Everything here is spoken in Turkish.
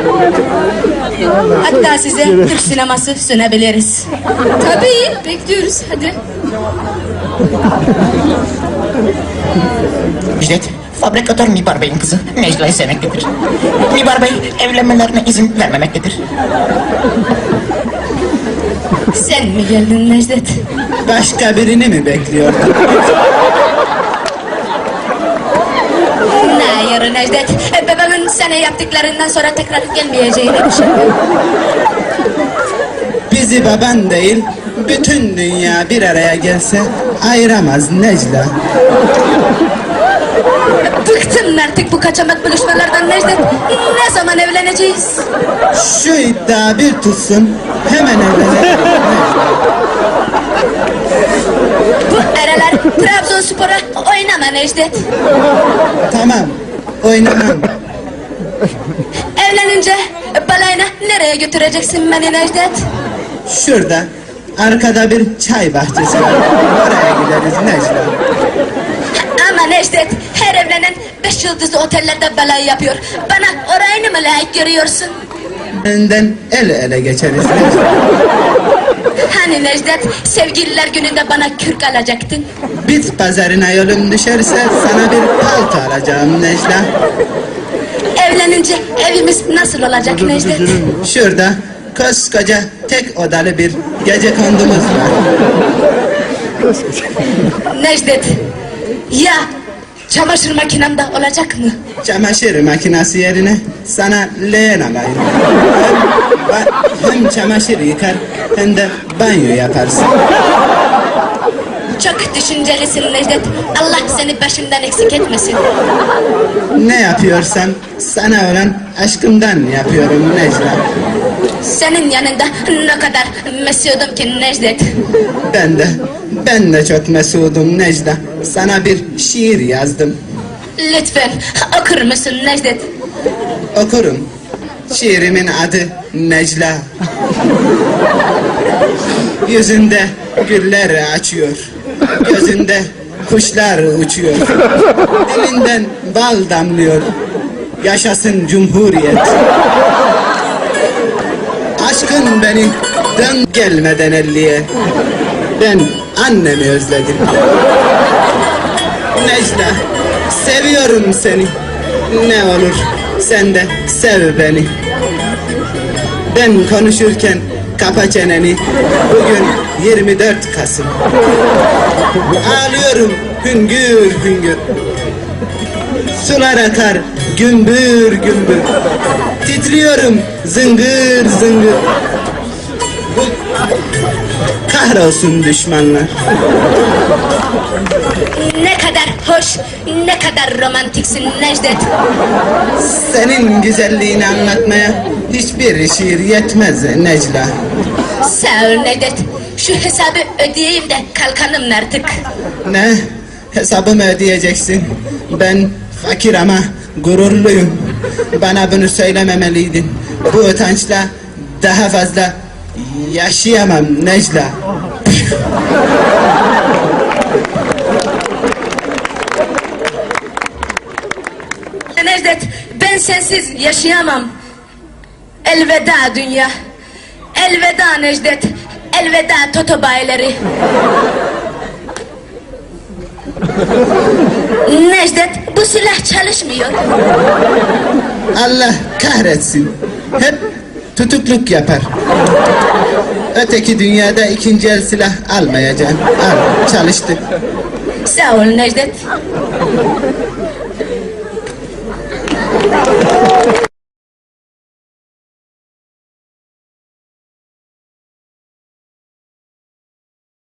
Hatta size Türk sineması sunabiliriz. Tabii, bekliyoruz. Hadi. Müjdat, fabrikatör Mibar Bey'in kızı Necla'yı sevmektedir. Mibar Bey evlenmelerine izin vermemektedir. Sen mi geldin Necdet? Başka birini mi bekliyordun? Hayır Necdet, babamın sana yaptıklarından sonra tekrar gelmeyeceğini düşünüyorum. Bizi baban değil, bütün dünya bir araya gelse ayıramaz Necla. Bıktım artık bu kaçamak buluşmalardan Necdet. Ne zaman evleneceğiz? Şu iddia bir tutsun, hemen evlenelim. Bu aralar Trabzonspor'a oynama Necdet. Tamam, oynamam. Evlenince balayına nereye götüreceksin beni Necdet? Şurada, arkada bir çay bahçesi var. Oraya gideriz Necla. Ama Necdet, her evlenen 5 yıldızlı otellerde balayı yapıyor. Bana orayını mı layık görüyorsun? Önden el ele geçeriz Necla. Hani Necdet, sevgililer gününde bana kürk alacaktın? Bit pazarına yolun düşerse sana bir palto alacağım Necla. Evlenince evimiz nasıl olacak Necdet? Şurada koskoca tek odalı bir gecekondumuz var. Necdet, Ya çamaşır makinem de olacak mı? çamaşır makinesi yerine sana leğen alayım. Hem çamaşır yıkar hem de banyo yaparsın. Çok düşüncelisin Necdet. Allah seni başımdan eksik etmesin. Ne yapıyorsam sana olan aşkımdan yapıyorum Necla. Senin yanında ne kadar mesudum ki Necdet. Ben de çok mesudum Necla. Sana bir şiir yazdım. Lütfen okur musun Necdet? Okurum. Şiirimin adı Necla. Yüzünde güller açıyor. Gözünde kuşlar uçuyor. Dilinden bal damlıyor. Yaşasın Cumhuriyet. Aşkın beni dön gelmeden elliye. Ben annemi özledim. Necla, seviyorum seni. Ne olur sen de sev beni. Ben konuşurken kapa çeneni. Bugün 24 Kasım. Ağlıyorum hüngür hüngür. Sular akar gümbür gümbür. Titriyorum zıngır zıngır. Kahrolsun düşmanlar. Ne kadar hoş, ne kadar romantiksin Necdet. Senin güzelliğini anlatmaya hiçbir şiir yetmez Necla. Sağ ol Necdet. Şu hesabı ödeyeyim de kalkalım artık. Ne? Hesabımı ödeyeceksin. Ben fakir ama gururluyum. Bana bunu söylememeliydin. Bu utançla daha fazla yaşayamam Necla. Necdet, ben sensiz yaşayamam. Elveda dünya. Elveda Necdet. Elveda Toto bayileri. Necdet, bu silah çalışmıyor. Allah kahretsin. Hep tutukluk yapar. Öteki dünyada ikinci el silah almayacağım. Al, çalıştık. Sağ ol Necdet.